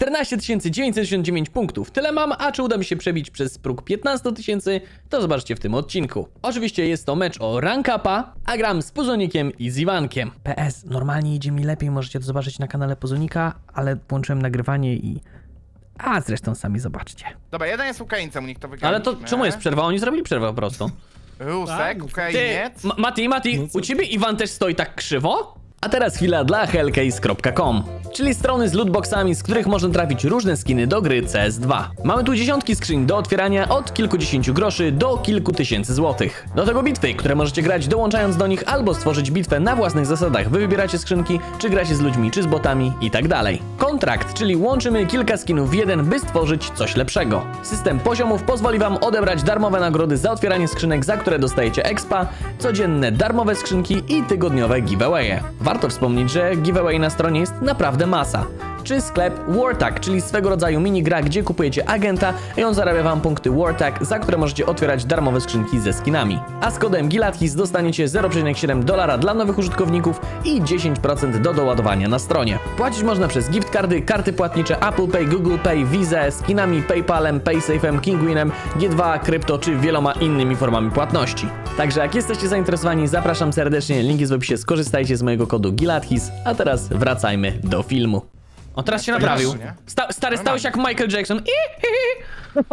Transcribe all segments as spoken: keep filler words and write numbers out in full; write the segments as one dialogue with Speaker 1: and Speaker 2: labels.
Speaker 1: czternaście tysięcy dziewięćset sześćdziesiąt dziewięć punktów. Tyle mam, a czy uda mi się przebić przez próg piętnaście tysięcy, to zobaczcie w tym odcinku. Oczywiście jest to mecz o rank upa, a gram z Puzonikiem i z Iwankiem. P S, normalnie idzie mi lepiej, możecie to zobaczyć na kanale Puzonika, ale włączyłem nagrywanie i... A zresztą sami zobaczcie.
Speaker 2: Dobra, jeden jest Ukraińcem, u nich to wygraliśmy.
Speaker 1: Ale to czemu jest przerwa? Oni zrobili przerwę po prostu.
Speaker 2: Rusek,
Speaker 3: Tak?
Speaker 2: Ukrainiec.
Speaker 1: Ty, Ma- Mati, Mati,
Speaker 3: No co?
Speaker 1: u ciebie Iwan też stoi tak krzywo? A teraz chwila dla hellcase kropka com, czyli strony z lootboxami, z których można trafić różne skiny do gry C S dwa. Mamy tu dziesiątki skrzyń do otwierania od kilkudziesięciu groszy do kilku tysięcy złotych. Do tego bitwy, które możecie grać dołączając do nich albo stworzyć bitwę na własnych zasadach. Wy wybieracie skrzynki, czy gracie z ludźmi, czy z botami i tak dalej. Kontrakt, czyli łączymy kilka skinów w jeden, by stworzyć coś lepszego. System poziomów pozwoli wam odebrać darmowe nagrody za otwieranie skrzynek, za które dostajecie expa, codzienne darmowe skrzynki i tygodniowe giveawaye. Warto wspomnieć, że giveaway na stronie jest naprawdę masa. Czy sklep Wartag, czyli swego rodzaju minigra, gdzie kupujecie agenta i on zarabia wam punkty Wartag, za które możecie otwierać darmowe skrzynki ze skinami. A z kodem Gilathis dostaniecie zero przecinek siedem dolara dla nowych użytkowników i dziesięć procent do doładowania na stronie. Płacić można przez gift cardy, karty płatnicze Apple Pay, Google Pay, Visa, skinami, PayPalem, PaySafe'em, Kinguinem, G dwa, krypto czy wieloma innymi formami płatności. Także jak jesteście zainteresowani, zapraszam serdecznie, link jest w opisie, skorzystajcie z mojego kodu Gilathis, a teraz wracajmy do filmu. O, teraz się naprawił.
Speaker 2: nie?
Speaker 1: Sta stary, stałeś jak Michael Jackson. I, i, i.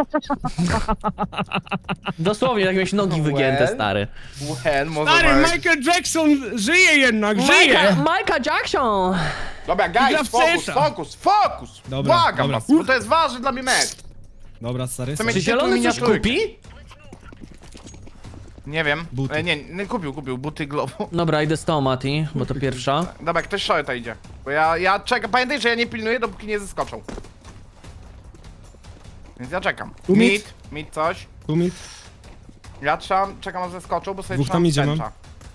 Speaker 1: Dosłownie, jak miałeś nogi wygięte,
Speaker 2: Well.
Speaker 1: stary.
Speaker 2: Well, może
Speaker 3: Stary,
Speaker 2: być.
Speaker 3: Michael Jackson żyje jednak, żyje!
Speaker 1: Michael, Michael Jackson!
Speaker 2: Dobra,
Speaker 3: Gra
Speaker 2: guys,
Speaker 3: w
Speaker 2: fokus,
Speaker 3: C S a.
Speaker 2: fokus, fokus!
Speaker 3: Dobra,
Speaker 2: Błagam
Speaker 3: dobra.
Speaker 2: was, bo to jest ważny dla mnie mecz.
Speaker 3: Dobra, stary.
Speaker 2: Co mi-
Speaker 1: Czy zielony coś kupi?
Speaker 2: Nie wiem.
Speaker 3: Buty.
Speaker 2: E, nie, nie, kupił, kupił, buty globu.
Speaker 1: Dobra, idę z tą, Mati, bo to pierwsza.
Speaker 2: Dobra, ktoś shorta idzie. Bo ja, ja czekam, pamiętaj, że ja nie pilnuję, dopóki nie zeskoczą. Więc ja czekam.
Speaker 3: Tu mid.
Speaker 2: Mid, mid coś.
Speaker 3: Tu mi.
Speaker 2: Ja trzymam, czekam aż zeskoczą, bo sobie
Speaker 3: Dwóch
Speaker 2: trzymam
Speaker 3: tam idzie,
Speaker 2: tęcza.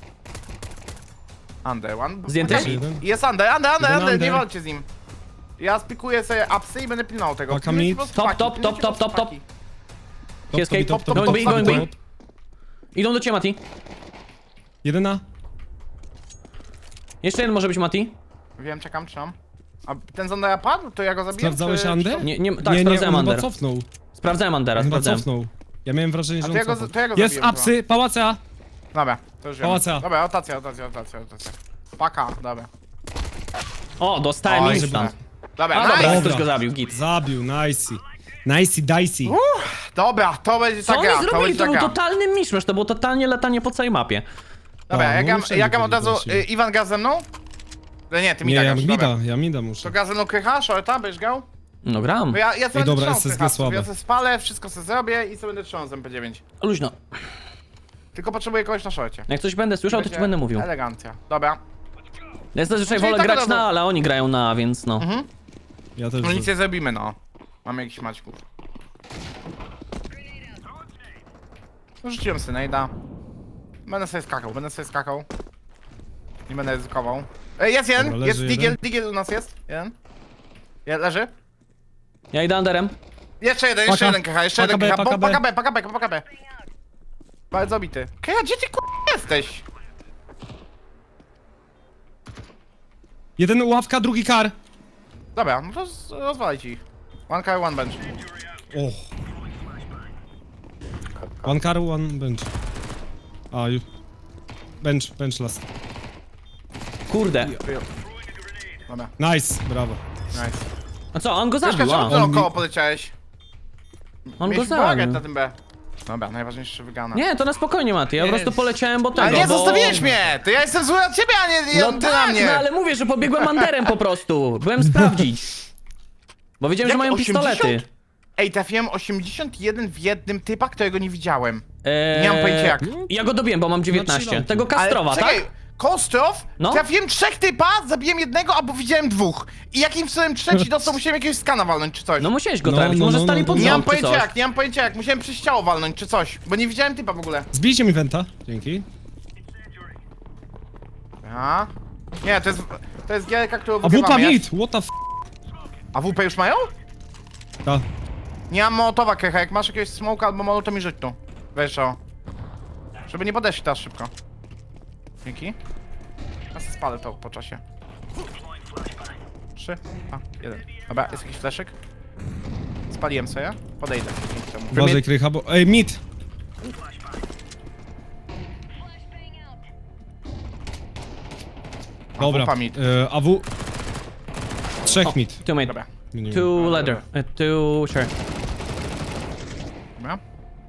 Speaker 2: Under one.
Speaker 1: Zdjęty?
Speaker 2: Okej,
Speaker 3: Jeden.
Speaker 2: Jest under, under, under,
Speaker 3: Jeden
Speaker 2: under, nie
Speaker 3: under.
Speaker 2: walczcie z nim. Ja spikuję sobie upsy i będę pilnował tego.
Speaker 3: Paka
Speaker 2: Pilnujcie
Speaker 3: mid.
Speaker 2: po prostu
Speaker 1: Top,
Speaker 2: paki,
Speaker 1: top,
Speaker 2: pilnujcie
Speaker 1: top,
Speaker 2: po
Speaker 1: top,
Speaker 2: prostu
Speaker 1: top,
Speaker 2: paki.
Speaker 1: Escape,
Speaker 2: top, top,
Speaker 1: going
Speaker 2: top,
Speaker 1: B,
Speaker 2: top,
Speaker 1: going
Speaker 2: top,
Speaker 1: B.
Speaker 2: top.
Speaker 1: Idą do ciebie, Mati.
Speaker 3: Jeden na.
Speaker 1: Jeszcze jeden może być, Mati.
Speaker 2: Wiem, czekam, trzymam. A ten z Undera padł? To ja go zabiję?
Speaker 3: Sprawdzałeś
Speaker 2: czy-
Speaker 3: Under?
Speaker 2: czy-
Speaker 1: Nie, nie, tak,
Speaker 3: nie, nie,
Speaker 1: sprawdzałem
Speaker 3: on chyba
Speaker 1: Under.
Speaker 3: cofnął.
Speaker 1: Sprawdzałem Undera,
Speaker 3: On chyba
Speaker 1: sprawdzałem.
Speaker 3: cofnął. Ja miałem wrażenie, że
Speaker 2: A to
Speaker 3: on
Speaker 2: ja go-
Speaker 3: cofnął.
Speaker 2: to ja go
Speaker 3: Jest
Speaker 2: zabiłem
Speaker 3: apsy, pałace A.
Speaker 2: Dobra, to już wiem.
Speaker 3: Pałaca.
Speaker 2: Dobra, rotacja, rotacja, rotacja, rotacja. Paka, dobra.
Speaker 1: O, dostałem
Speaker 2: Oj,
Speaker 1: instant.
Speaker 2: Dobra,
Speaker 1: A
Speaker 2: nice.
Speaker 1: dobra,
Speaker 3: Dobra.
Speaker 1: ktoś go zabił, git.
Speaker 3: Zabił, nicey. Nicey dicey.
Speaker 2: Dobra, to będzie
Speaker 1: Co
Speaker 2: ta
Speaker 1: oni
Speaker 2: gra, to
Speaker 1: zrobili?
Speaker 2: będzie
Speaker 1: To
Speaker 2: ta
Speaker 1: był
Speaker 2: gra.
Speaker 1: totalny miszmasz, to było totalnie latanie po całej mapie.
Speaker 2: Dobra,
Speaker 3: A,
Speaker 2: ja
Speaker 3: no
Speaker 2: gam,
Speaker 3: wszędzie
Speaker 2: ja gam od
Speaker 3: byli
Speaker 2: razu,
Speaker 3: gości.
Speaker 2: y, Iwan gra ze mną? No nie, ty mi
Speaker 3: Nie,
Speaker 2: tak
Speaker 3: ja
Speaker 2: grasz,
Speaker 3: mida,
Speaker 2: dobra.
Speaker 3: ja mida
Speaker 2: To
Speaker 3: muszę.
Speaker 2: gra ze mną krycha, shorta, będziesz grał?
Speaker 1: No gram.
Speaker 2: Bo ja, ja sobie będę
Speaker 3: dobra,
Speaker 2: trzymał
Speaker 3: S S G
Speaker 2: krycha,
Speaker 3: słabe.
Speaker 2: ja sobie spalę, wszystko sobie zrobię i sobie będę trzymał z M P dziewięć.
Speaker 1: Luźno.
Speaker 2: Tylko potrzebuję kogoś na szorcie.
Speaker 1: Jak coś będę słyszał, to ci
Speaker 2: Będzie
Speaker 1: będę mówił.
Speaker 2: Elegancja. Dobra.
Speaker 1: Ja zazwyczaj
Speaker 2: Czyli
Speaker 1: wolę
Speaker 2: tak
Speaker 1: grać
Speaker 2: od
Speaker 1: na,
Speaker 2: razu.
Speaker 1: ale oni grają na, więc no.
Speaker 2: Mhm.
Speaker 3: Ja też.
Speaker 2: No nic nie zrobimy, no. Mamy jakiś maćków. Rzuciłem synejda. Będę sobie skakał, będę sobie skakał. Nie będę ryzykował. E, jest jeden,
Speaker 3: Dobra, leży
Speaker 2: jest
Speaker 3: jeden.
Speaker 2: digiel, digiel u nas jest. Jeden. Je, leży.
Speaker 1: Ja idę Underem.
Speaker 2: Jeszcze jeden, jeszcze
Speaker 3: Paka.
Speaker 2: jeden kecha, jeszcze
Speaker 3: Paka
Speaker 2: jeden
Speaker 3: B,
Speaker 2: kecha.
Speaker 3: paka
Speaker 2: Paka,
Speaker 3: B.
Speaker 2: paka B, paka B, paka B. Bardzo obity. Kecha, gdzie ty k*** jesteś?
Speaker 3: Jeden ławka, drugi kar.
Speaker 2: Dobra, no to z- rozwalajcie ich. One car, one bench.
Speaker 3: Och. One car, one bench. A, już. Bench, bench last.
Speaker 1: Kurde.
Speaker 2: Dobra,
Speaker 3: Nice, brawo.
Speaker 2: nice.
Speaker 1: A co, on go
Speaker 2: Troszkę
Speaker 1: zabił,
Speaker 2: czemu
Speaker 1: a.
Speaker 2: ty
Speaker 3: On
Speaker 2: naokoło
Speaker 3: mi-
Speaker 2: poleciałeś?
Speaker 1: On go
Speaker 2: Mieliśmy bałagan
Speaker 1: zabił.
Speaker 2: na tym B. Dobra, najważniejsze wygana.
Speaker 1: Nie, to na spokojnie, Mati. Ja po
Speaker 2: Nie.
Speaker 1: prostu poleciałem, bo tego,
Speaker 2: Ale nie,
Speaker 1: bo...
Speaker 2: zostawiłeś mnie! To ja jestem zły na ciebie, a nie
Speaker 1: No
Speaker 2: ty
Speaker 1: tak,
Speaker 2: na mnie!
Speaker 1: no ale mówię, że pobiegłem Underem po prostu. Byłem sprawdzić. Bo wiedziałem, że
Speaker 2: Jak
Speaker 1: mają
Speaker 2: osiemdziesiąt?
Speaker 1: pistolety.
Speaker 2: Ej, trafiłem osiemdziesiąt jeden w jednym typa, którego nie widziałem.
Speaker 1: Eee,
Speaker 2: Nie mam pojęcia jak.
Speaker 1: Ja go dobiłem, bo mam dziewiętnaście.
Speaker 3: chilloutu.
Speaker 1: Tego Kastrowa,
Speaker 2: Ale,
Speaker 1: tak?
Speaker 2: czekaj, Kostrow?
Speaker 1: No.
Speaker 2: Trafiłem trzech typa, zabiłem jednego, albo widziałem dwóch. I jakim cudem trzeci dostał, musiałem jakiegoś skana walnąć czy coś.
Speaker 1: No musiałeś go
Speaker 3: No,
Speaker 1: trafić,
Speaker 3: no,
Speaker 1: może
Speaker 3: no,
Speaker 1: stali
Speaker 3: no,
Speaker 1: pod
Speaker 3: no.
Speaker 2: nie mam
Speaker 1: rząd czy
Speaker 2: pojęcia
Speaker 1: coś.
Speaker 2: jak, nie mam pojęcia jak. Musiałem przez ciało walnąć czy coś, bo nie widziałem typa w ogóle.
Speaker 3: Zbijcie mi wenta. Dzięki.
Speaker 2: A? Nie, to jest, to jest gierka, którą
Speaker 3: A wupa
Speaker 2: wygrywamy. Ja-
Speaker 3: mid, what the f...
Speaker 2: A W P już mają?
Speaker 3: Ta.
Speaker 2: Nie mam mołotowa, Kecha, jak masz jakiegoś smoka albo molo, to mi rzuć tu. Weź o. Żeby nie podeszli teraz szybko. Dzięki. Ja sobie spalę to po czasie. Trzy, dwa, jeden. Dobra, jest jakiś fleszek? Spaliłem sobie, podejdę. dzięki temu.
Speaker 3: Uważaj, Krycha, bo... Ej, mid! Dobra,
Speaker 2: wupa mid.
Speaker 3: e, A W... Trzech mid.
Speaker 1: Two mid.
Speaker 2: Dobra.
Speaker 3: Nie wiem.
Speaker 1: Two ladder. Uh, two sure.
Speaker 2: Dobra.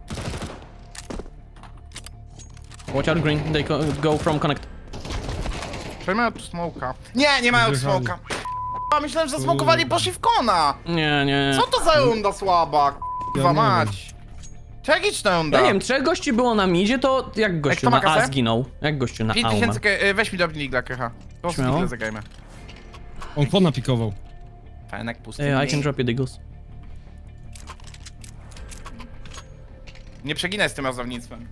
Speaker 1: Watch out green. They go, go from connect.
Speaker 2: Czy mają tu smoka? Nie, nie mają tu
Speaker 3: Wyjechali.
Speaker 2: smoka. A myślałem, że zasmokowali i poszli w kona.
Speaker 1: Nie, nie, nie.
Speaker 2: Co to za runda słaba?
Speaker 3: Ja
Speaker 2: Kurwa
Speaker 3: nie
Speaker 2: mać. Tragiczna runda.
Speaker 1: Ja nie wiem, trzech gości było na midzie, to jak gościu
Speaker 2: kto ma
Speaker 1: na A
Speaker 2: kasę?
Speaker 1: zginął? Jak gościu na
Speaker 2: pięć
Speaker 1: A umarł?
Speaker 2: tysięcy, ke- y, weź mi do Digla, Krycha. Po prostu
Speaker 1: Śmiało.
Speaker 2: Digla zagrajmy.
Speaker 3: On kona pikował.
Speaker 2: Fenek pusty.
Speaker 1: Yeah, I can drop you diggles.
Speaker 2: Nie przeginaj z tym rozdawnictwem.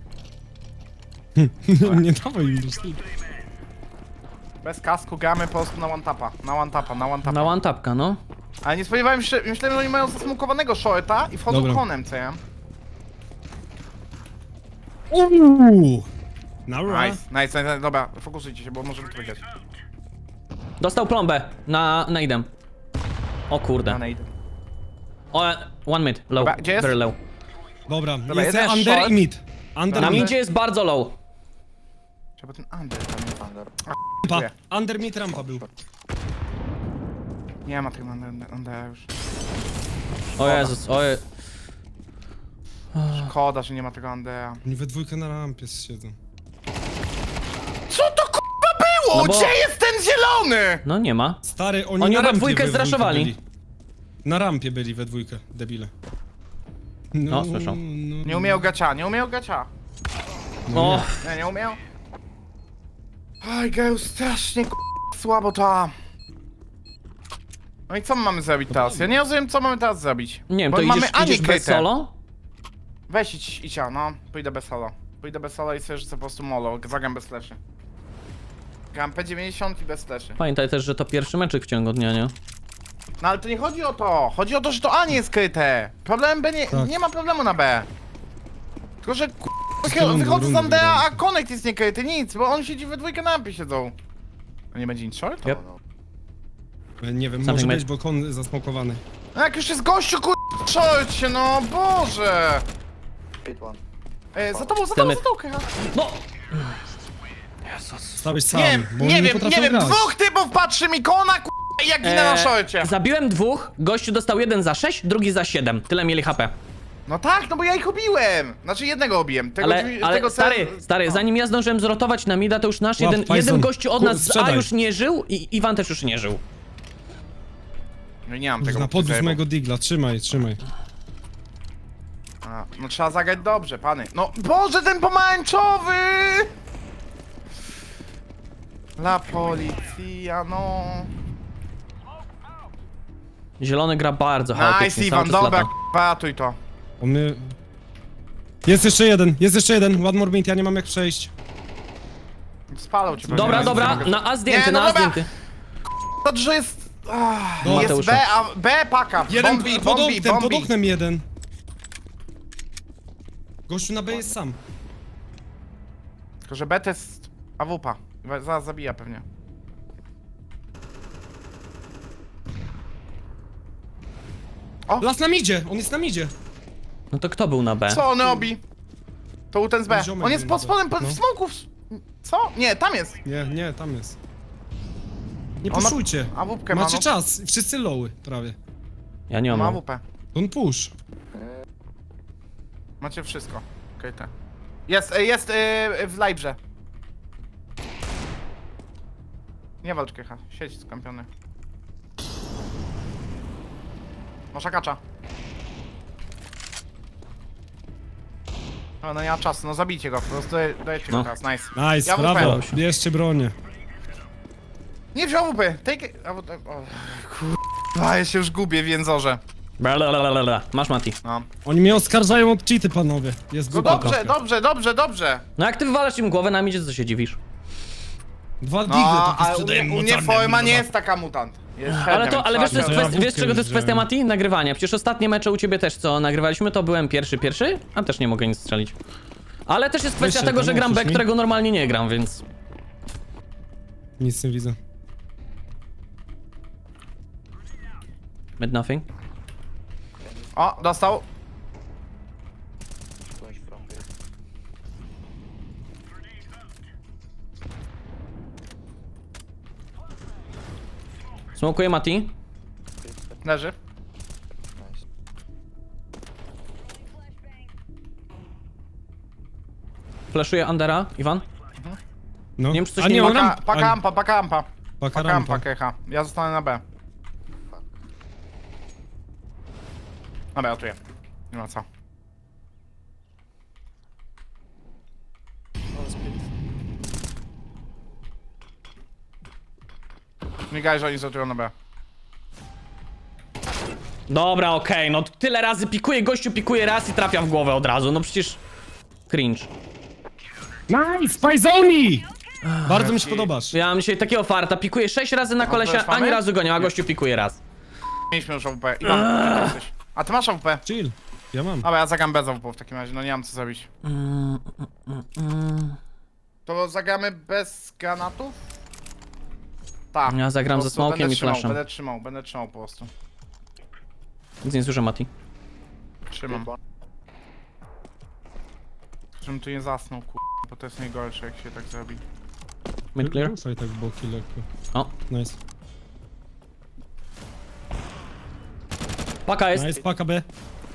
Speaker 3: Nie dawaj im do stylu.
Speaker 2: Bez kasku gramy po prostu na one tapa. Na one tapa, na one tapa.
Speaker 1: Na one tapka, no.
Speaker 2: Ale nie spodziewałem się, myślałem, że oni mają zasmokowanego shorta i wchodzą
Speaker 3: Dobra.
Speaker 2: konem, co ja?
Speaker 3: Uuu! Nara.
Speaker 2: Nice, nice, nice, nice, dobra, fokusujcie się, bo możemy to wygrać.
Speaker 1: Dostał plombę na nade'em. O
Speaker 2: Na
Speaker 1: kurde.
Speaker 2: nade.
Speaker 1: O, one mid, low,
Speaker 2: Dobra, gdzie jest?
Speaker 1: very low.
Speaker 3: Dobra,
Speaker 2: Dobra,
Speaker 3: jest
Speaker 2: jeden
Speaker 3: under
Speaker 2: short.
Speaker 3: i mid. Under
Speaker 1: Na
Speaker 3: mid.
Speaker 1: midzie jest bardzo low.
Speaker 2: Trzeba ten under tam jest under.
Speaker 3: Rampa. Under mid rampa był.
Speaker 2: Nie ma tego under, under już.
Speaker 1: O Jezus, o Je...
Speaker 2: Szkoda, że nie ma tego undera.
Speaker 3: Oni we dwójkę na rampie siedzą.
Speaker 2: Co to k***a było?
Speaker 1: No bo-
Speaker 2: Gdzie jest ten zielony?
Speaker 1: No nie ma.
Speaker 3: Stary, oni,
Speaker 1: Oni
Speaker 3: na
Speaker 1: we
Speaker 3: rampie
Speaker 1: dwójkę
Speaker 3: we
Speaker 1: zraszowali.
Speaker 3: byli. Na rampie byli we dwójkę, debile.
Speaker 1: No, słyszą.
Speaker 3: no,
Speaker 2: Nie umiał gacia, nie umiał gacia.
Speaker 1: O,
Speaker 2: Nie, nie umiał. Oj, geju, strasznie k***, słabo ta. No i co my mamy zrobić teraz? Ja nie rozumiem, co mamy teraz zrobić.
Speaker 1: nie wiem,
Speaker 2: Bo
Speaker 1: to
Speaker 2: mamy
Speaker 1: idziesz,
Speaker 2: Anię
Speaker 1: idziesz bez
Speaker 2: Krytę.
Speaker 1: solo?
Speaker 2: Weź idź, idź, ja, no. Pójdę bez solo. Pójdę bez solo i sobie rzucę po prostu molo. Zagram bez fleszy. Gram P dziewięćdziesiąt i bez fleszy.
Speaker 1: Pamiętaj też, że to pierwszy meczyk w ciągu dnia, nie?
Speaker 2: No ale to nie chodzi o to. Chodzi o to, że to A nie jest skryte. Problem B nie,
Speaker 3: Tak.
Speaker 2: nie ma problemu na B. Tylko, że k***,
Speaker 3: rundy,
Speaker 2: wychodzę z
Speaker 3: rundy
Speaker 2: Andea, a
Speaker 3: wygramy.
Speaker 2: Connect jest niekryty, nic, bo on siedzi we dwójkę na ampie siedzą. A nie będzie nic short?
Speaker 1: Yep.
Speaker 3: Nie wiem,
Speaker 1: Something
Speaker 3: może
Speaker 1: mid.
Speaker 3: być, bo kon zasmokowany.
Speaker 2: No jak już jest gościu, kur... short się, no Boże. E, za tobą, za tobą,
Speaker 1: Chcemy-
Speaker 2: za tobą, Krycha.
Speaker 1: No!
Speaker 3: Stałeś sam,
Speaker 2: Nie,
Speaker 3: bo
Speaker 2: nie
Speaker 3: oni
Speaker 2: wiem,
Speaker 3: potrafią
Speaker 2: nie wiem,
Speaker 3: grać.
Speaker 2: dwóch typów patrzy mi kona, kur... i ja ginę na
Speaker 1: Eee,
Speaker 2: szorcie.
Speaker 1: Zabiłem dwóch, gościu dostał jeden za sześć, drugi za siedem. Tyle mieli H P.
Speaker 2: No tak, no bo ja ich obiłem. Znaczy jednego obiłem. Tego,
Speaker 1: Ale,
Speaker 2: drzwi-
Speaker 1: ale
Speaker 2: tego
Speaker 1: stary,
Speaker 2: cel-
Speaker 1: stary,
Speaker 2: no.
Speaker 1: zanim ja zdążyłem zrotować na mida, to już nasz
Speaker 3: Łap,
Speaker 1: jeden,
Speaker 3: Tyson.
Speaker 1: jeden gościu od
Speaker 3: Kur-
Speaker 1: nas z A
Speaker 3: sprzedaj.
Speaker 1: już nie żył i Iwan też już nie żył.
Speaker 2: No nie mam tego.
Speaker 3: Na
Speaker 2: bo
Speaker 3: podwóz
Speaker 2: zajebał.
Speaker 3: mojego digla, trzymaj, trzymaj.
Speaker 2: A, no trzeba zagrać dobrze, pany. No Boże, ten pomarańczowy! La policja, no.
Speaker 1: Zielony gra bardzo chaotycznie,
Speaker 2: Nice,
Speaker 1: cały
Speaker 2: Iwan,
Speaker 1: czas
Speaker 2: dobra,
Speaker 1: lata.
Speaker 2: patuj to.
Speaker 3: On mnie... Jest jeszcze jeden, jest jeszcze jeden, one more mid, ja nie mam jak przejść.
Speaker 2: Spalał cię pewnie.
Speaker 1: Dobra,
Speaker 2: Nice,
Speaker 1: dobra,
Speaker 2: nice.
Speaker 1: na A zdjęty,
Speaker 2: Nie, no
Speaker 1: na A
Speaker 2: dobra.
Speaker 1: zdjęty.
Speaker 2: To, że jest... Ach,
Speaker 3: Dobra.
Speaker 2: jest
Speaker 1: Mateusza.
Speaker 2: B, a B paka.
Speaker 3: Jeden
Speaker 2: Bombi,
Speaker 3: pod
Speaker 2: bombi,
Speaker 3: oknem, pod
Speaker 2: bombi.
Speaker 3: oknem jeden. Gościu na B jest sam.
Speaker 2: Tylko, że B to jest A W P. Zaraz zabija pewnie.
Speaker 3: Las na midzie, on jest na midzie.
Speaker 1: No to kto był na B?
Speaker 2: Co on robi? To był ten z B.
Speaker 3: Ziomek
Speaker 2: On jest
Speaker 3: był
Speaker 2: pod
Speaker 3: na B.
Speaker 2: spodem, pod
Speaker 3: No.
Speaker 2: w smoku. w- Co? Nie, tam jest.
Speaker 3: Nie, nie, tam jest. Nie
Speaker 2: On ma-
Speaker 3: puszujcie.
Speaker 2: A W P ma,
Speaker 3: Macie
Speaker 2: no.
Speaker 3: czas, wszyscy lowy prawie.
Speaker 1: Ja nie
Speaker 2: Ma A
Speaker 1: mam.
Speaker 2: W P.
Speaker 3: Don't push.
Speaker 2: Macie wszystko. Okej, okay, Jest, e, jest e, w live'ze. Nie walcz, Kycha. Siedź skampiony. Masz akacza. No, no nie ma czasu, no zabijcie go, po prostu dajcie go
Speaker 1: No.
Speaker 2: teraz, nice.
Speaker 3: Nice,
Speaker 2: Ja
Speaker 3: brawo.
Speaker 2: wupałem.
Speaker 3: Bierzcie bronię.
Speaker 2: Nie wziął A W P, take it. A, w- o, kurwa, ja się już gubię w jęzorze.
Speaker 1: Blablabla. Masz Mati.
Speaker 2: No.
Speaker 3: Oni mnie oskarżają od cheaty, panowie. Jest
Speaker 2: No
Speaker 3: głupia
Speaker 2: dobrze,
Speaker 3: trochę.
Speaker 2: dobrze, dobrze, dobrze.
Speaker 1: No jak ty wywalasz im głowę na midzie, to co się dziwisz?
Speaker 3: Dwa digle
Speaker 2: No,
Speaker 3: takie
Speaker 2: ale u
Speaker 3: sprzedają
Speaker 2: mnie, u mnie
Speaker 3: mocarne,
Speaker 2: forma nie
Speaker 3: dobra.
Speaker 2: jest taka mutant. Jest
Speaker 1: Ale
Speaker 2: średnia,
Speaker 1: to,
Speaker 2: więc
Speaker 1: ale wiesz, to jest
Speaker 2: trzeba
Speaker 3: ja
Speaker 1: kwestia, wiesz
Speaker 3: wódkę
Speaker 1: czego to jest
Speaker 3: wziąłem.
Speaker 1: kwestia, Mati? Nagrywania. Przecież ostatnie mecze u ciebie też, co nagrywaliśmy, to byłem pierwszy, pierwszy, a też nie mogę nic strzelić. Ale też jest kwestia
Speaker 3: Wyższe,
Speaker 1: tego, że
Speaker 3: to
Speaker 1: gram B,
Speaker 3: możesz mi?
Speaker 1: którego normalnie nie gram, więc...
Speaker 3: Nic nie widzę.
Speaker 1: Mid nothing.
Speaker 2: O, dostał.
Speaker 4: Flash from here.
Speaker 1: Smokuje Mati.
Speaker 2: Leży.
Speaker 4: Nice.
Speaker 1: Flashuje Undera. Iwan.
Speaker 3: No.
Speaker 1: Nie wiem, czy coś
Speaker 3: A
Speaker 1: nie
Speaker 3: nie,
Speaker 1: ma-
Speaker 3: on
Speaker 2: Paka,
Speaker 3: ramp.
Speaker 2: paka rampa, paka rampa.
Speaker 3: Paka
Speaker 2: Paka rampa,
Speaker 3: rampa.
Speaker 2: kecha. Ja zostanę na B. Dobra, ja czuję. Nie ma co.
Speaker 4: One split.
Speaker 2: Migaj, że oni zatują na B.
Speaker 1: Dobra, okej, no tyle razy pikuje, gościu pikuje raz i trafia w głowę od razu, no przecież... Cringe.
Speaker 3: Nice! Fajzoni! Bardzo mi się
Speaker 2: Jaki-
Speaker 3: podobasz.
Speaker 1: Ja mam dzisiaj takiego farta, pikuje sześć razy na kolesia,
Speaker 2: też mamy?
Speaker 1: ani razu go nie ma, a gościu pikuje raz.
Speaker 2: Mieliśmy już A W P. Iwan, gdzie ty jesteś? A ty masz A W P?
Speaker 3: Chill. Ja mam.
Speaker 2: Dobra, ja zagram bez A W P w takim razie, no nie mam co zrobić.
Speaker 1: Mm, mm, mm.
Speaker 2: To zagramy bez granatów? Tak.
Speaker 1: Ja zagram
Speaker 2: Po
Speaker 1: ze
Speaker 2: prostu
Speaker 1: smokiem
Speaker 2: będę
Speaker 1: i
Speaker 2: trzymał,
Speaker 1: flashem.
Speaker 2: Będę trzymał, będę trzymał po prostu.
Speaker 1: Nic nie słyszę, Mati.
Speaker 2: Trzymam. Żebym tu nie zasnął, kur... bo to jest najgorsze, jak się tak zrobi.
Speaker 1: Mid clear.
Speaker 3: Ruszaj tak boki lekko.
Speaker 1: O,
Speaker 3: Nice.
Speaker 1: paka jest.
Speaker 3: Nice, paka B.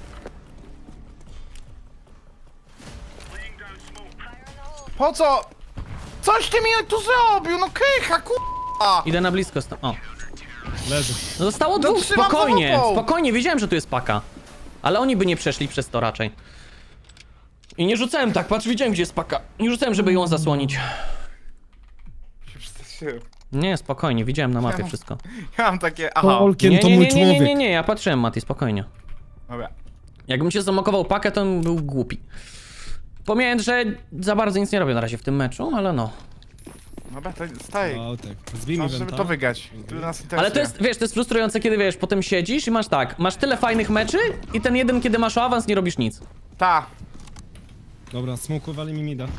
Speaker 2: Po co? Coś ty mi tu zrobił, no kycha, kurwa!
Speaker 1: Idę na blisko. sta- O,
Speaker 3: Leży.
Speaker 1: no zostało dwóch,
Speaker 2: trzymam
Speaker 1: spokojnie,
Speaker 2: za łapą.
Speaker 1: spokojnie, wiedziałem, że tu jest paka. Ale oni by nie przeszli przez to raczej. I nie rzucałem tak, patrz, widziałem, gdzie jest paka. Nie rzucałem, żeby ją zasłonić.
Speaker 2: Się przestraszyłem.
Speaker 1: Nie, spokojnie, widziałem na mapie
Speaker 2: mam-
Speaker 1: wszystko.
Speaker 2: Ja mam takie, aha.
Speaker 3: Tolkien
Speaker 1: Nie,
Speaker 3: to
Speaker 1: nie,
Speaker 3: mój
Speaker 1: nie, nie, nie, nie,
Speaker 3: człowiek.
Speaker 1: nie, ja patrzyłem, Mati, spokojnie.
Speaker 2: Dobra.
Speaker 1: Jakbym się zamokował pakę, to bym był głupi. Pomijając, że za bardzo nic nie robię na razie w tym meczu, ale no.
Speaker 2: Dobra, to staj.
Speaker 3: O, tak. Zbij mi
Speaker 2: Masz, żeby
Speaker 3: wenta.
Speaker 2: to wygrać. Tyle nas interesuje.
Speaker 1: Ale to jest, wiesz, to jest frustrujące, kiedy wiesz, potem siedzisz i masz tak, masz tyle fajnych meczy i ten jeden, kiedy masz o awans, nie robisz nic.
Speaker 2: Ta.
Speaker 3: Dobra, smokowali mi mida.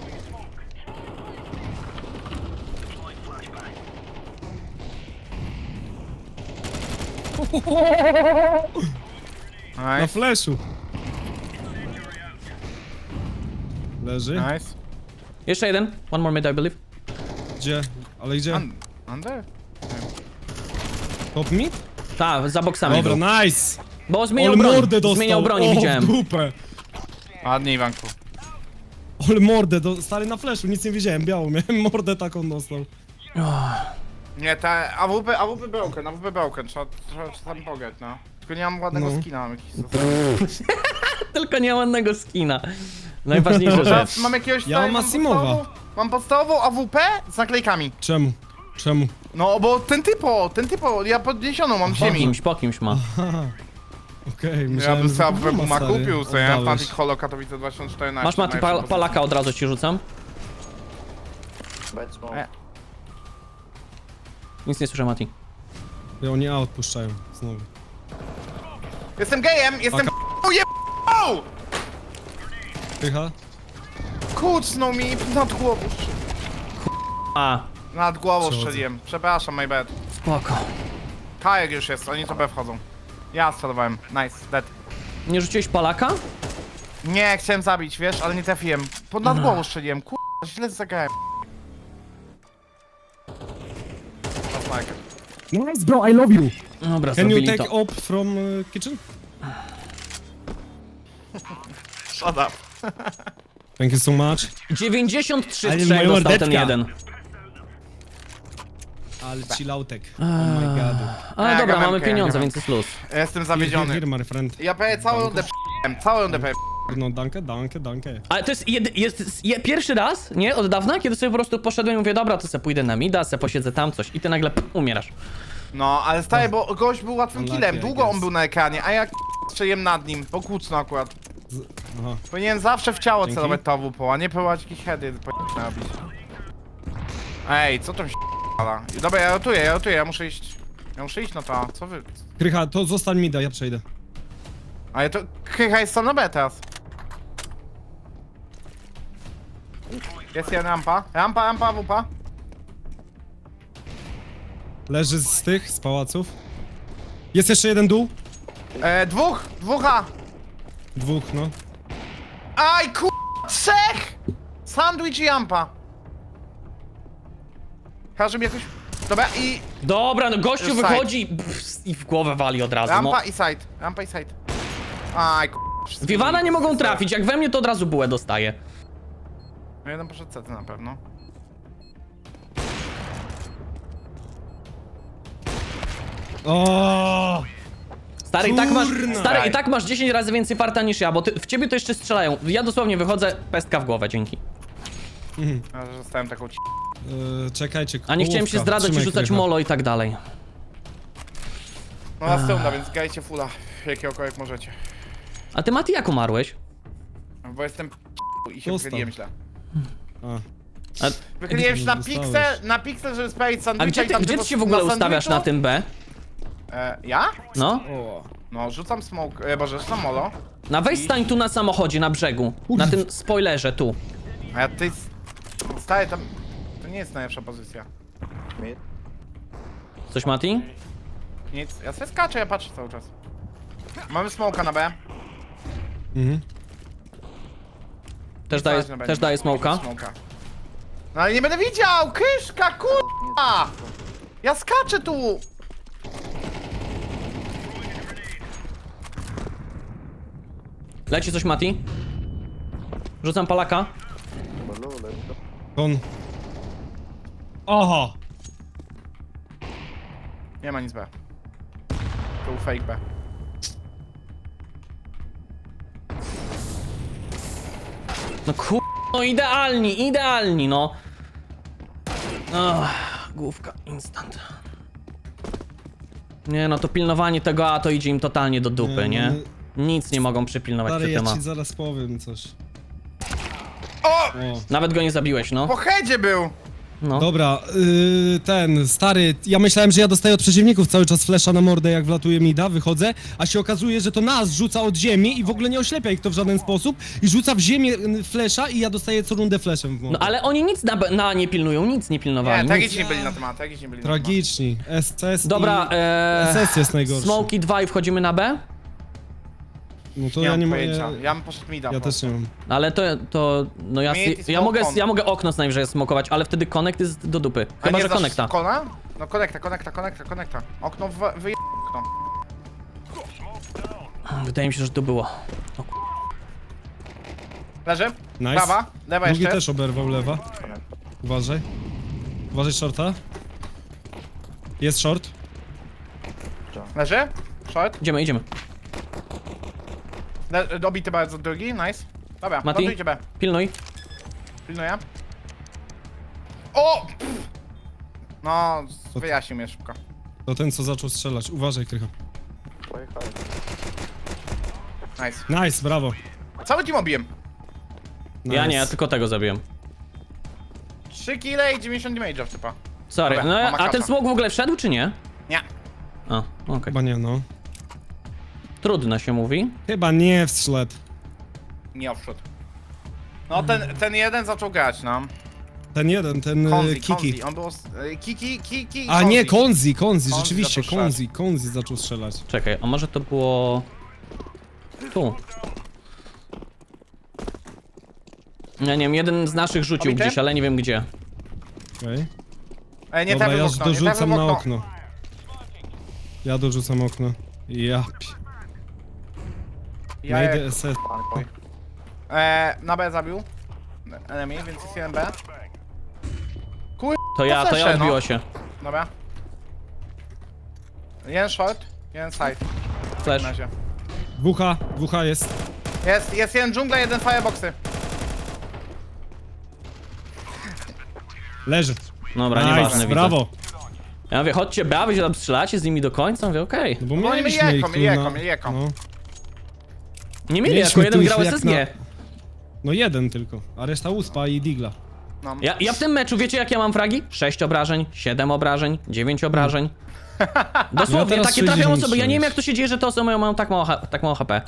Speaker 3: Na
Speaker 2: Nice.
Speaker 3: flashu. Leży.
Speaker 2: Nice.
Speaker 1: Jeszcze jeden, one more mid, I believe.
Speaker 3: Gdzie? Ale gdzie?
Speaker 2: Un under?
Speaker 3: Top mid?
Speaker 1: Tak, za boksami był.
Speaker 3: Dobra, nice.
Speaker 1: Bo zmieniał
Speaker 3: Ale
Speaker 1: broń,
Speaker 3: mordę dostał.
Speaker 1: zmieniał broń,
Speaker 3: o,
Speaker 1: widziałem.
Speaker 3: w dupę.
Speaker 2: Ładnie, Iwanku.
Speaker 3: Ale mordę, do, stary na flashu, nic nie widziałem, białą miałem, mordę taką dostał.
Speaker 2: Nie, te A W P, A W P broken, A W P broken, trzeba, trzeba czasami pograć, no. Tylko nie mam ładnego
Speaker 3: No.
Speaker 2: skina, mam jakiś
Speaker 1: Tylko nie ma ładnego skina. Najważniejsza rzecz.
Speaker 2: Teraz mam jakiegoś
Speaker 3: Ja mam
Speaker 2: stary,
Speaker 3: Massimowa.
Speaker 2: podstawową- Mam podstawową A W P z naklejkami.
Speaker 3: Czemu? Czemu?
Speaker 2: No, bo ten typo, ten typo, ja podniesioną mam z
Speaker 1: Po
Speaker 2: ziemi.
Speaker 1: kimś, po kimś ma.
Speaker 3: Haha. Okej,
Speaker 2: Ja
Speaker 3: myślałem,
Speaker 2: bym
Speaker 3: że
Speaker 2: sobie A W P
Speaker 3: Puma,
Speaker 2: Puma
Speaker 3: stary,
Speaker 2: kupił, co ja
Speaker 3: oddałeś.
Speaker 2: Fnatic Holo Katowice dwa tysiące czternaście.
Speaker 1: Masz Mati
Speaker 2: najlepsza
Speaker 1: pal
Speaker 2: pozycja.
Speaker 1: palaka, od razu ci rzucam.
Speaker 4: Bad smoke.
Speaker 2: E.
Speaker 1: Nic nie słyszę, Mati.
Speaker 3: I oni A odpuszczają, znowu.
Speaker 2: Jestem gejem, jestem uje...
Speaker 3: Pycha?
Speaker 2: Kucnął mi nad głową.
Speaker 1: A,
Speaker 2: Nad głową
Speaker 3: Przechodzę.
Speaker 2: strzeliłem. Przepraszam, my bad.
Speaker 1: spoko.
Speaker 2: Kajek już jest, oni to B wchodzą. Ja strzelowałem. Nice, dead.
Speaker 1: Nie rzuciłeś palaka?
Speaker 2: Nie, chciałem zabić, wiesz, ale nie trafiłem. Pod nad głową strzeliłem, kur... źle zagrałem. Sniper.
Speaker 3: Nice bro, I love you.
Speaker 1: Dobra,
Speaker 3: Can you
Speaker 1: zrobili
Speaker 3: take
Speaker 1: to.
Speaker 3: op from uh, kitchen?
Speaker 2: Shut up.
Speaker 3: Thank you so much.
Speaker 1: dziewięćdziesiąt trzy
Speaker 3: Ale
Speaker 1: strzał
Speaker 3: moja
Speaker 1: dostał ten
Speaker 3: mordeczka.
Speaker 1: jeden.
Speaker 3: Ale chillautek. Oh my god.
Speaker 1: Ale
Speaker 2: Ja
Speaker 1: dobra,
Speaker 2: gadam,
Speaker 1: mamy
Speaker 2: ja
Speaker 1: pieniądze,
Speaker 2: gadam.
Speaker 1: więc jest luz.
Speaker 2: Ja Jestem
Speaker 3: Here,
Speaker 2: zawiedziony.
Speaker 3: here, my friend.
Speaker 2: Ja prawie całą rundę p***łem, całą rundę p***łem.
Speaker 3: No, danke, danke, danke.
Speaker 1: Ale to jest, jed, jest je, pierwszy raz, nie, od dawna, kiedy sobie po prostu poszedłem i mówię, dobra, to se pójdę na mida, se posiedzę tam coś i ty nagle pff, umierasz.
Speaker 2: No, ale stary, bo gość był łatwym
Speaker 3: Unlucky,
Speaker 2: killem,
Speaker 3: I
Speaker 2: długo on
Speaker 3: guess.
Speaker 2: był na ekranie, a ja strzeliłem nad nim, bo kłócno akurat.
Speaker 3: Z... Aha.
Speaker 2: Powinienem zawsze w ciało
Speaker 3: Dzięki.
Speaker 2: celować to A W P, a nie próbować jakieś heady po- robić. Ej, co tam się p***ala? Dobra, ja rotuję, ja rotuję, ja muszę iść. Ja muszę iść na to, co wy...
Speaker 3: Krycha, to zostań mi da, ja przejdę.
Speaker 2: Ale to... Krycha jest sam na B teraz. Jest jedna rampa, rampa, rampa, A W P.
Speaker 3: Leży z tych, z pałaców. Jest jeszcze jeden dół?
Speaker 2: E, dwóch! Dwóch A!
Speaker 3: Dwóch, no.
Speaker 2: Aj kur... Trzech! Sandwich i Jampa. Każdy mi jakoś... Dobra i...
Speaker 1: Dobra, no gościu
Speaker 2: Już
Speaker 1: wychodzi pff, i w głowę wali od razu, no.
Speaker 2: Rampa i side. Rampa i side. Aj kur...
Speaker 1: W Iwana nie mogą trafić, jak we mnie to od razu bułę dostaje.
Speaker 2: No jeden poszedł C T na pewno.
Speaker 3: O!
Speaker 1: Stary, i tak masz,
Speaker 3: Kurna.
Speaker 1: stary, i tak masz dziesięć razy więcej farta niż ja, bo ty, w ciebie to jeszcze strzelają. Ja dosłownie wychodzę, pestka w głowę, dzięki.
Speaker 2: Ja że zostałem taką ci...
Speaker 3: Yy, czekajcie,
Speaker 1: A nie chciałem się
Speaker 3: kołówka.
Speaker 1: zdradzać i
Speaker 3: Trzymaj
Speaker 1: rzucać
Speaker 3: krycha.
Speaker 1: molo i tak dalej.
Speaker 2: No następna, więc grajcie fulla. Jakiegokolwiek możecie.
Speaker 1: A ty, Mati, jak umarłeś?
Speaker 2: Bo jestem i się
Speaker 3: Dostał.
Speaker 2: wychyliłem źle.
Speaker 3: A.
Speaker 1: A,
Speaker 2: Wychyliłem się na
Speaker 3: Dostałeś.
Speaker 2: piksel, na piksel, żeby sprawić
Speaker 1: a
Speaker 2: sandwicha
Speaker 1: gdzie
Speaker 2: i
Speaker 1: ty,
Speaker 2: tam
Speaker 1: gdzie ty
Speaker 2: typu
Speaker 1: się w ogóle
Speaker 2: na
Speaker 1: ustawiasz
Speaker 2: sandwichu-
Speaker 1: na tym B?
Speaker 2: E, ja?
Speaker 1: No.
Speaker 3: O.
Speaker 2: No, rzucam smoke, e, boże, rzucam molo.
Speaker 1: Na weź stań tu na samochodzie, na brzegu. Na tym spoilerze, tu.
Speaker 2: A ja ty... Staję tam... To nie jest najlepsza pozycja.
Speaker 4: Mid.
Speaker 1: Coś, Mati?
Speaker 2: Nic, ja sobie skaczę, ja patrzę cały czas. Mamy smoka na B.
Speaker 3: Mhm.
Speaker 1: Też daje,
Speaker 2: Na B.
Speaker 1: też daje smoka.
Speaker 2: Smoka. No ale nie będę widział! Kyszka, kurwa! Ja skaczę tu!
Speaker 1: Leci coś, Mati? Rzucam palaka.
Speaker 4: Blue, let's go.
Speaker 3: On. Oho!
Speaker 2: Nie ma nic B. To był fake B.
Speaker 1: No kur... No idealni, idealni, no. Ach, główka, instant. Nie no, to pilnowanie tego A to idzie im totalnie do dupy,
Speaker 3: Nie,
Speaker 1: nie?
Speaker 3: no,
Speaker 1: Nic nie mogą przypilnować
Speaker 3: Stary,
Speaker 1: przy
Speaker 3: ja
Speaker 1: tym A.
Speaker 3: ci zaraz powiem coś.
Speaker 2: O!
Speaker 3: O.
Speaker 1: Nawet go nie zabiłeś, no.
Speaker 2: Po headzie był!
Speaker 1: no.
Speaker 3: Dobra, yy, ten, stary, ja myślałem, że ja dostaję od przeciwników cały czas flesza na mordę, jak wlatuje mida, wychodzę, a się okazuje, że to nas rzuca od ziemi i w ogóle nie oślepia ich to w żaden sposób i rzuca w ziemię y, flesza i ja dostaję co rundę fleszem w mordę.
Speaker 1: No ale oni nic na, B- na nie pilnują, nic nie pilnowali.
Speaker 2: Nie,
Speaker 1: nic.
Speaker 2: tragiczni byli na temat, tragiczni byli na temat.
Speaker 3: Tragiczni. S S
Speaker 1: Dobra,
Speaker 3: i...
Speaker 1: eee,
Speaker 3: S S jest najgorszy.
Speaker 1: Smoki dwa i wchodzimy na B?
Speaker 3: No to
Speaker 2: Nie
Speaker 3: ja
Speaker 2: mam
Speaker 3: nie
Speaker 2: pojęcia,
Speaker 3: mogę...
Speaker 2: ja bym poszedł mida.
Speaker 3: Ja
Speaker 2: po
Speaker 3: też nie mam.
Speaker 1: Ale to, to, no ja,
Speaker 2: Mid
Speaker 1: ja,
Speaker 2: i
Speaker 1: ja, mogę,
Speaker 2: smoke on.
Speaker 1: ja mogę okno z najwyżej smokować, ale wtedy connect jest do dupy.
Speaker 2: A
Speaker 1: Chyba,
Speaker 2: nie
Speaker 1: że
Speaker 2: znasz
Speaker 1: connecta.
Speaker 2: Kona? No konekta, konekta, konekta, konekta. Okno w... wyje... okno.
Speaker 1: Wydaje mi się, że to było.
Speaker 2: Leży?
Speaker 3: Nice.
Speaker 2: Prawa, lewa
Speaker 3: Drugi
Speaker 2: jeszcze.
Speaker 3: też oberwał lewa. Uważaj. Uważaj shorta. Jest short.
Speaker 2: Leży? Short.
Speaker 1: Idziemy, idziemy.
Speaker 2: Le... Dobity bardzo drugi, nice. Dobra,
Speaker 1: Mati?
Speaker 2: lądujcie B.
Speaker 1: Pilnuj.
Speaker 2: Pilnuję. O! Pff. No, wyjaśnił mnie szybko.
Speaker 3: To ten, co zaczął strzelać. Uważaj, Krycha.
Speaker 4: Play high.
Speaker 2: Nice.
Speaker 3: Nice, brawo.
Speaker 2: Cały team obiłem.
Speaker 3: Nice.
Speaker 1: Ja nie, ja tylko tego zabiłem.
Speaker 2: trzy kile i dziewięćdziesiąt damage'ów typa.
Speaker 1: Sorry,
Speaker 2: Dobra,
Speaker 1: no
Speaker 2: mama
Speaker 1: a ten
Speaker 2: kasza.
Speaker 1: smok w ogóle wszedł, czy nie?
Speaker 2: Nie.
Speaker 1: A, okej.
Speaker 3: Chyba nie, no.
Speaker 1: Trudno się mówi.
Speaker 3: Chyba nie wszedł.
Speaker 2: Nie offshot. No ten, ten jeden zaczął grać, no.
Speaker 3: Ten jeden, ten e,
Speaker 2: Konzi,
Speaker 3: Kiki.
Speaker 2: Konzi, on był... e, Kiki, Kiki,
Speaker 3: A nie, Konzi, Konzi,
Speaker 2: Konzi
Speaker 3: rzeczywiście,
Speaker 2: zaczął
Speaker 3: Konzi, Konzi zaczął strzelać.
Speaker 1: Czekaj, a może to było... Tu. Ja nie wiem, jeden z naszych rzucił
Speaker 2: Obity?
Speaker 1: gdzieś, ale nie wiem gdzie.
Speaker 3: Okej.
Speaker 2: E, nie
Speaker 3: Dobra,
Speaker 2: trafił
Speaker 3: ja
Speaker 2: w okno, nie trafił
Speaker 3: dorzucam
Speaker 2: w
Speaker 3: na
Speaker 2: okno.
Speaker 3: okno. Ja dorzucam okno. Ja pi...
Speaker 2: Ja
Speaker 3: Najdę
Speaker 2: jak...
Speaker 3: S S.
Speaker 2: e, na B zabił. Enemy, więc jest jeden B. Kur...
Speaker 1: To ja, to ja
Speaker 2: flesze, no.
Speaker 1: odbiło się.
Speaker 2: Dobra. Jeden short, jeden side.
Speaker 1: Flash.
Speaker 2: Na razie.
Speaker 3: Dwucha, dwucha jest.
Speaker 2: Jest, jest jeden dżungla, jeden fireboxy.
Speaker 3: Leży.
Speaker 1: Dobra, nieważne,
Speaker 3: Nice,
Speaker 1: widzę.
Speaker 3: brawo.
Speaker 1: Ja mówię, chodźcie B, wy się tam strzelacie z nimi do końca? Mówię, okej.
Speaker 3: No bo
Speaker 2: No oni
Speaker 3: mieliśmy
Speaker 2: mieli
Speaker 3: ich
Speaker 2: eko,
Speaker 3: tu
Speaker 2: mieli eko,
Speaker 3: na...
Speaker 2: mieli eko.
Speaker 3: No.
Speaker 1: Nie mieli,
Speaker 3: Mieliśmy
Speaker 1: jako
Speaker 3: tu
Speaker 1: jeden
Speaker 3: ich
Speaker 1: grał
Speaker 3: jak
Speaker 1: S S G.
Speaker 3: No jeden tylko, a reszta uspa i digla.
Speaker 2: No.
Speaker 1: Ja, ja w tym meczu, wiecie jak ja mam fragi? sześć obrażeń, siedem obrażeń, dziewięć obrażeń. Dosłownie,
Speaker 3: teraz
Speaker 1: takie trafią
Speaker 3: sześćdziesiąt
Speaker 1: osoby. Ja nie wiem jak
Speaker 3: sześć.
Speaker 1: to się dzieje, że te osoby mają, mają tak, mało, H- tak mało H P.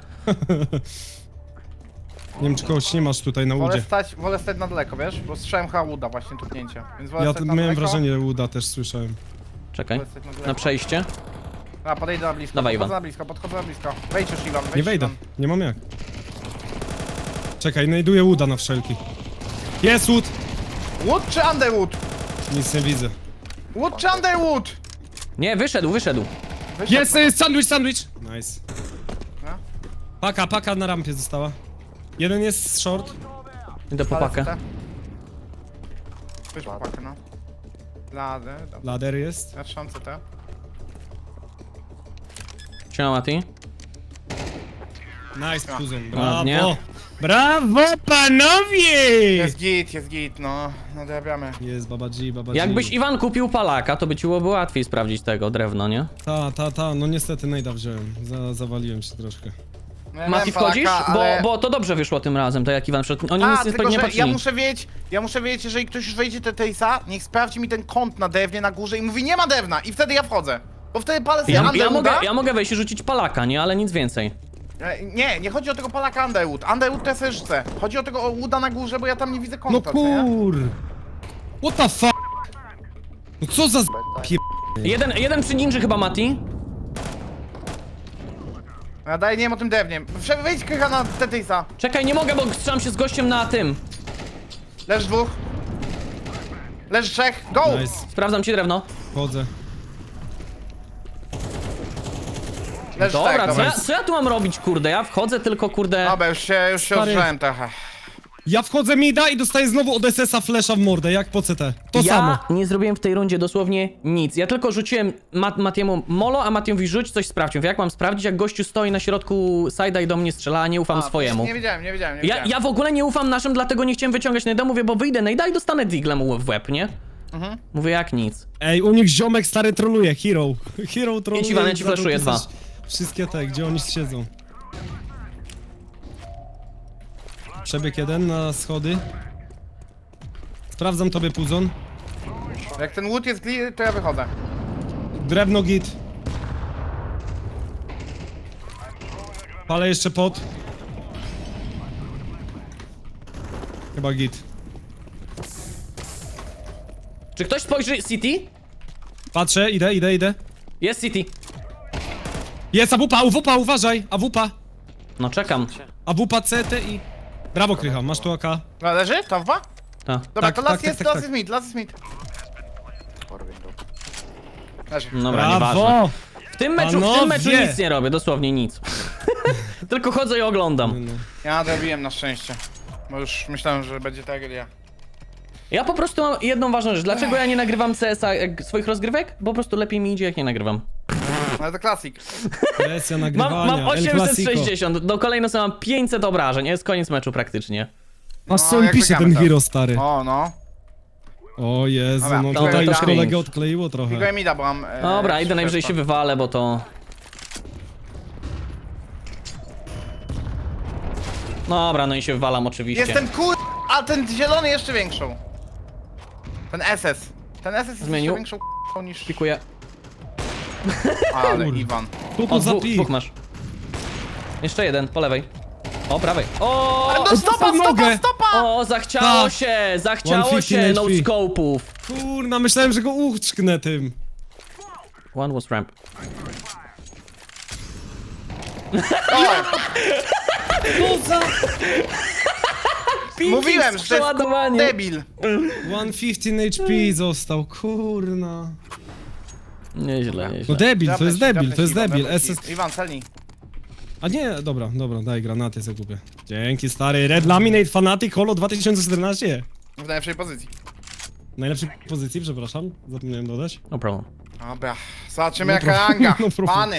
Speaker 3: Nie wiem, czy kogoś nie masz tutaj na
Speaker 2: Wolę
Speaker 3: łudzie.
Speaker 2: stać, wolę stać na daleko, wiesz? Bo strzałem Hauda właśnie tupnięcie. Więc wolę
Speaker 3: Ja
Speaker 2: stać
Speaker 3: tu
Speaker 2: na
Speaker 3: miałem
Speaker 2: daleko.
Speaker 3: wrażenie, Łuda też słyszałem.
Speaker 1: Czekaj,
Speaker 2: Wolę stać na daleko.
Speaker 1: na przejście.
Speaker 2: A, podejdę na blisko,
Speaker 1: Dawaj,
Speaker 2: podchodzę
Speaker 1: Iwan.
Speaker 2: na blisko, podchodzę na blisko. Wejdź już, Iwan, wejdź,
Speaker 3: Nie wejdę,
Speaker 2: Iwan.
Speaker 3: nie mam jak. Czekaj, znajduję Wooda na wszelki. Jest Wood!
Speaker 2: Wood czy Underwood?
Speaker 3: Nic nie widzę.
Speaker 2: Wood czy Underwood?
Speaker 1: Nie, wyszedł, wyszedł.
Speaker 2: Wyszedł.
Speaker 3: Jest, jest sandwich, sandwich! Nice.
Speaker 2: No.
Speaker 3: Paka, paka na rampie została. Jeden jest short.
Speaker 1: Idę po pakę.
Speaker 2: Weź po pakę, no. Lady, dobra.
Speaker 3: Ladder jest.
Speaker 2: Ja trzymam C T.
Speaker 1: Siema, Mati.
Speaker 3: Nice, kuzyn.
Speaker 1: Ładnie.
Speaker 3: Brawo! Brawo, panowie!
Speaker 2: Jest git, jest git, no. No dorabiamy.
Speaker 3: Jest Baba G, Baba G.
Speaker 1: Jakbyś Iwan kupił palaka, to by ci byłoby łatwiej sprawdzić tego drewno, nie?
Speaker 3: Ta, ta, ta, no niestety najda wziąłem. Za, zawaliłem się troszkę.
Speaker 2: No, ja
Speaker 1: Mati,
Speaker 2: miałem Polaka,
Speaker 1: wchodzisz?
Speaker 2: ale-
Speaker 1: Bo, bo to dobrze wyszło tym razem, tak jak Iwan wszedł. Oni
Speaker 2: A,
Speaker 1: nic nie,
Speaker 2: tylko
Speaker 1: nie
Speaker 2: że
Speaker 1: patrzyli.
Speaker 2: ja muszę wiedzieć, ja muszę wiedzieć, jeżeli ktoś już wejdzie do Tejsa, niech sprawdzi mi ten kąt na drewnie na górze i mówi nie ma drewna i wtedy ja wchodzę. Bo wtedy palę sobie
Speaker 1: Ja, ja,
Speaker 2: Underwooda.
Speaker 1: mogę, ja mogę wejść i rzucić palaka, nie? Ale nic więcej.
Speaker 2: E, Nie, nie chodzi o tego palaka Underwood. Underwood to ja sobie rzucę. Chodzi o tego Wooda na górze, bo ja tam nie widzę
Speaker 3: No
Speaker 2: kąta, co nie?
Speaker 3: kur... What the fuck? No co za z... pier...
Speaker 1: Jeden, jeden przy ninży chyba, Mati.
Speaker 2: Ja daję, nie wiem o tym drewnie. Prze- Wejdź krycha na Tetejsa.
Speaker 1: Czekaj, nie mogę, bo strzelam się z gościem na tym.
Speaker 2: Leż dwóch. Leż trzech. Go!
Speaker 3: Nice,
Speaker 1: Sprawdzam ci drewno.
Speaker 3: chodzę.
Speaker 2: Leż
Speaker 1: Dobra,
Speaker 2: trzech,
Speaker 1: co
Speaker 2: dobra.
Speaker 1: ja, co ja tu mam robić, kurde? Ja wchodzę tylko, kurde...
Speaker 2: Dobra, już się, już się
Speaker 3: Stary.
Speaker 2: odżyłem trochę.
Speaker 3: Ja wchodzę mida i dostaję znowu od S S a flesza w mordę, jak po C T. To
Speaker 1: ja
Speaker 3: samo.
Speaker 1: nie zrobiłem w tej rundzie dosłownie nic. Ja tylko rzuciłem Mat Matiemu molo, a Mati mówi rzuć coś sprawdź. Mówię, jak mam sprawdzić, jak gościu stoi na środku side'a i do mnie strzela, a nie ufam
Speaker 2: A,
Speaker 1: swojemu.
Speaker 2: Nie wiedziałem, nie wiedziałem, nie
Speaker 1: Ja,
Speaker 2: wiedziałem.
Speaker 1: ja w ogóle nie ufam naszym, dlatego nie chciałem wyciągać najda. Mówię, bo wyjdę najda i dostanę diglem w łeb, nie?
Speaker 2: Mhm.
Speaker 1: Mówię, jak nic.
Speaker 3: Ej, u nich ziomek stary troluje, hero. Hero troluje.
Speaker 1: Iwan, ja ci
Speaker 3: i zaczął
Speaker 1: flashuję
Speaker 3: pisać
Speaker 1: dwa.
Speaker 3: Wszystkie te, gdzie oni siedzą. Przebieg jeden na schody. Sprawdzam tobie puzon.
Speaker 2: Jak ten wood jest clear, to ja wychodzę.
Speaker 3: Drewno git. Palę jeszcze pot. Chyba git.
Speaker 1: Czy ktoś spojrzy City?
Speaker 3: Patrzę, idę, idę, idę.
Speaker 1: Jest City.
Speaker 3: Jest AWP, AWP, uważaj! AWP.
Speaker 1: No czekam.
Speaker 3: AWP, C T i... Brawo Krycha, masz tu A K.
Speaker 2: No, leży? To dwa?
Speaker 1: Ta.
Speaker 2: Dobra,
Speaker 3: Tak,
Speaker 2: to
Speaker 3: tak,
Speaker 2: las
Speaker 3: tak,
Speaker 2: jest,
Speaker 3: tak,
Speaker 2: las
Speaker 3: tak.
Speaker 2: jest mid, las jest mid.
Speaker 4: Or window.
Speaker 2: Leży.
Speaker 1: Dobra, nieważne.
Speaker 3: Brawo!
Speaker 1: W tym meczu, w tym
Speaker 3: Panowie!
Speaker 1: meczu nic nie robię, dosłownie nic. Tylko chodzę i oglądam.
Speaker 3: No.
Speaker 2: Ja dobiłem na szczęście. Bo już myślałem, że będzie tragedia.
Speaker 1: Ja po prostu mam jedną ważną rzecz. Dlaczego ja nie nagrywam C S a jak swoich rozgrywek? Bo po prostu lepiej mi idzie, jak nie nagrywam.
Speaker 2: No ale to klasik.
Speaker 3: Presja nagrywania,
Speaker 1: Mam, mam
Speaker 3: El
Speaker 1: osiemset
Speaker 3: Clasico.
Speaker 1: sześćdziesiąt, do kolejnego sobie mam pięćset obrażeń, jest koniec meczu praktycznie.
Speaker 3: Aż co
Speaker 2: No,
Speaker 3: on
Speaker 2: jak
Speaker 3: pisze
Speaker 2: wygramy
Speaker 3: ten
Speaker 2: to.
Speaker 3: hero stary.
Speaker 2: O, no.
Speaker 3: O Jezu,
Speaker 2: Dobra,
Speaker 3: no
Speaker 2: to
Speaker 3: tutaj
Speaker 2: to
Speaker 3: już
Speaker 1: cringe.
Speaker 3: kolegę odkleiło trochę.
Speaker 2: Tylko mida, bo mam... E,
Speaker 1: Dobra, idę najwyżej się
Speaker 2: szybko.
Speaker 1: wywalę, bo to... Dobra, no i się wywalam oczywiście.
Speaker 2: Jestem kur... A ten zielony jeszcze większą. Ten S S. Ten S S jest
Speaker 1: Zmienił.
Speaker 2: jeszcze większą k***ą niż...
Speaker 1: Pikuję.
Speaker 2: Ale
Speaker 3: Kurde.
Speaker 2: Iwan.
Speaker 3: Tu
Speaker 1: O,
Speaker 3: tu
Speaker 1: dwóch,
Speaker 3: zapij.
Speaker 1: dwóch masz. Jeszcze jeden, po lewej. O, prawej. O!
Speaker 2: Ale no
Speaker 3: o,
Speaker 2: stopa,
Speaker 3: dostał
Speaker 2: stopa,
Speaker 3: nogę.
Speaker 2: stopa!
Speaker 1: O, zachciało
Speaker 3: Tak.
Speaker 1: się, zachciało
Speaker 3: sto
Speaker 1: się
Speaker 3: piętnaście
Speaker 1: no
Speaker 3: H P.
Speaker 1: scope'ów.
Speaker 3: Kurna, myślałem, że go uczknę tym.
Speaker 1: One was ramp.
Speaker 2: O, mówiłem, że to jest
Speaker 1: przeładowanie.
Speaker 2: debil.
Speaker 3: sto piętnaście H P został, kurna.
Speaker 1: Nieźle,
Speaker 3: No
Speaker 1: nieźle.
Speaker 3: debil, to jest
Speaker 2: Drapnę ci,
Speaker 3: debil, to jest
Speaker 2: drapnę ci,
Speaker 3: debil.
Speaker 2: Iwan,
Speaker 3: S S...
Speaker 2: drapnę ci. Iwan, celnij.
Speaker 3: A nie, dobra, dobra, daj granaty sobie kupię. Dzięki stary, Red Laminate Fanatic Holo dwa tysiące czternaście.
Speaker 2: W najlepszej pozycji.
Speaker 3: W najlepszej pozycji, przepraszam, zapomniałem dodać.
Speaker 1: No problem.
Speaker 2: Dobra, zobaczymy
Speaker 3: No
Speaker 2: jaka
Speaker 3: problem,
Speaker 2: ranga.
Speaker 3: no problem.
Speaker 2: Pany.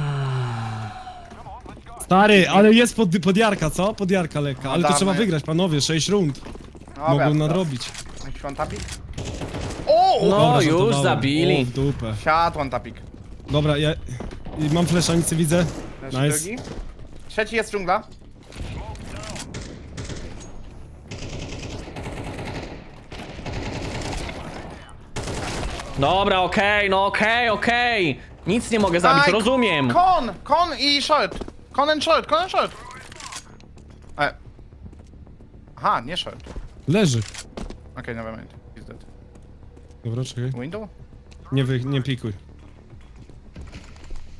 Speaker 3: Stary, ale jest pod, podjarka, co? Podjarka lekka, ale to
Speaker 2: dawno
Speaker 3: trzeba
Speaker 2: jest.
Speaker 3: wygrać, panowie, sześć rund.
Speaker 2: Dobra,
Speaker 3: Mogą
Speaker 2: to-
Speaker 3: nadrobić.
Speaker 2: Jakiś one tapik? O!
Speaker 1: No
Speaker 3: Dobra,
Speaker 1: już
Speaker 3: żartowałem.
Speaker 1: zabili.
Speaker 3: O, w dupę.
Speaker 2: Siadł one tapik.
Speaker 3: Dobra, ja... i mam flesza, nic nie widzę.
Speaker 2: Leży
Speaker 3: Nice.
Speaker 2: drugi. Trzeci jest dżungla.
Speaker 1: Dobra, okej, no okej, okej. Nic nie mogę zabić,
Speaker 2: Aj,
Speaker 1: rozumiem.
Speaker 2: Kon! Kon i short. Kon and short, kon and short. E. Aha, nie short.
Speaker 3: Leży.
Speaker 2: Okej, never mind. He's dead.
Speaker 3: Dobra, czekaj.
Speaker 2: Window?
Speaker 3: Nie, wy, nie pikuj.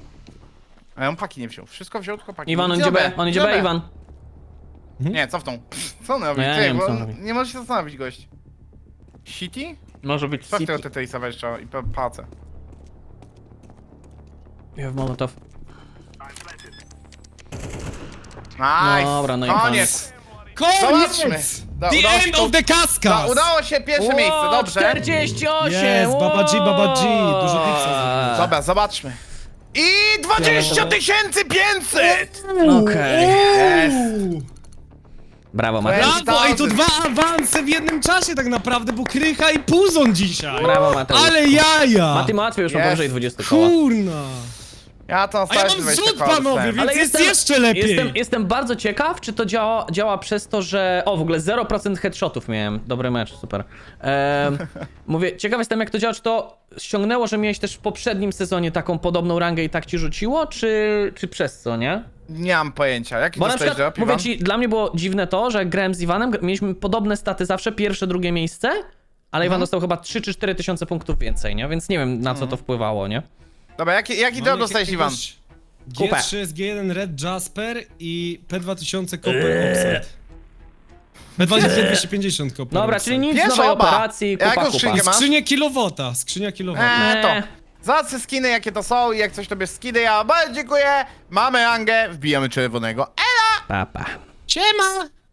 Speaker 2: A on paki nie wziął. Wszystko wziął, tylko paki.
Speaker 1: Iwan, on idzie B, on idzie B, Iwan.
Speaker 2: Nie, cofnął. Co on robi?
Speaker 1: No ja
Speaker 2: Ty,
Speaker 1: nie wiem,
Speaker 2: bo
Speaker 1: co on
Speaker 2: on
Speaker 1: robi.
Speaker 2: nie może się zastanowić, gość. City?
Speaker 1: Może być
Speaker 2: Sprawdź
Speaker 1: City.
Speaker 2: tego T T I-sa jeszcze i pa- pacę.
Speaker 1: Ja w Molotow.
Speaker 2: Nice!
Speaker 1: Dobra, no i
Speaker 2: koniec!
Speaker 3: Koniec!
Speaker 2: Zobaczmy! Da-
Speaker 3: The
Speaker 2: udało się
Speaker 3: end
Speaker 2: to-
Speaker 3: of the
Speaker 2: Da,
Speaker 3: Cascas!
Speaker 2: udało się pierwsze
Speaker 1: Ło,
Speaker 2: miejsce, dobrze.
Speaker 1: czterdzieści osiem!
Speaker 3: Jest, Baba G, Baba G, dużo
Speaker 1: Ło.
Speaker 3: tipsa
Speaker 2: Dobra, zobaczmy. I dwadzieścia tysięcy pięćset!
Speaker 1: Okej.
Speaker 2: Jest.
Speaker 1: Brawo, Mateusz.
Speaker 2: Brawo.
Speaker 3: Brawo! I to dwa awanse w jednym czasie tak naprawdę, bo Krycha i Puzon dzisiaj!
Speaker 1: Brawo, Mateusz.
Speaker 3: Ale jaja!
Speaker 1: Mati łatwiej już ma
Speaker 2: Jest.
Speaker 1: powyżej dwudziestu koła.
Speaker 3: Kurna!
Speaker 2: Ja to
Speaker 3: A ja
Speaker 2: stałem
Speaker 3: mam
Speaker 2: dwadzieścia
Speaker 3: zrzut,
Speaker 2: koła
Speaker 3: panowie,
Speaker 2: dostałem.
Speaker 3: więc jest jeszcze lepiej!
Speaker 1: Jestem, jestem bardzo ciekaw, czy to działa, działa przez to, że... O, w ogóle zero procent headshotów miałem. Dobry mecz, super. Ehm, mówię, ciekaw jestem, jak to działa, czy to ściągnęło, że miałeś też w poprzednim sezonie taką podobną rangę i tak ci rzuciło, czy, czy przez co, nie?
Speaker 2: Nie mam pojęcia. Jaki
Speaker 1: Bo na
Speaker 2: dostałeś
Speaker 1: przykład,
Speaker 2: drop, Iwan?
Speaker 1: mówię ci, dla mnie było dziwne to, że jak grałem z Iwanem, mieliśmy podobne staty zawsze, pierwsze, drugie miejsce, ale Iwan dostał chyba trzy czy cztery tysiące punktów więcej, nie? Więc nie wiem, na co to wpływało, nie?
Speaker 2: Dobra, jaki, jaki drop dostałeś, Iwan?
Speaker 3: G trzy S G jeden Red Jasper i P dwa tysiące Copper Offset. P dwa tysiące dwieście pięćdziesiąt Copper
Speaker 1: Dobra,
Speaker 3: Offset.
Speaker 1: czyli nic
Speaker 2: Pierwsza
Speaker 1: nowej
Speaker 2: oba.
Speaker 1: operacji,
Speaker 2: Jaką
Speaker 1: kupa, kupa.
Speaker 2: skrzynkę masz?
Speaker 3: Skrzynia kilowata, skrzynia kilowata.
Speaker 2: Eee, to.
Speaker 1: Nie.
Speaker 2: Zacne skiny, jakie to są i jak coś tobie skiny, ja bardzo dziękuję. Mamy rangę, wbijamy czerwonego.
Speaker 1: Papa.
Speaker 3: Siema!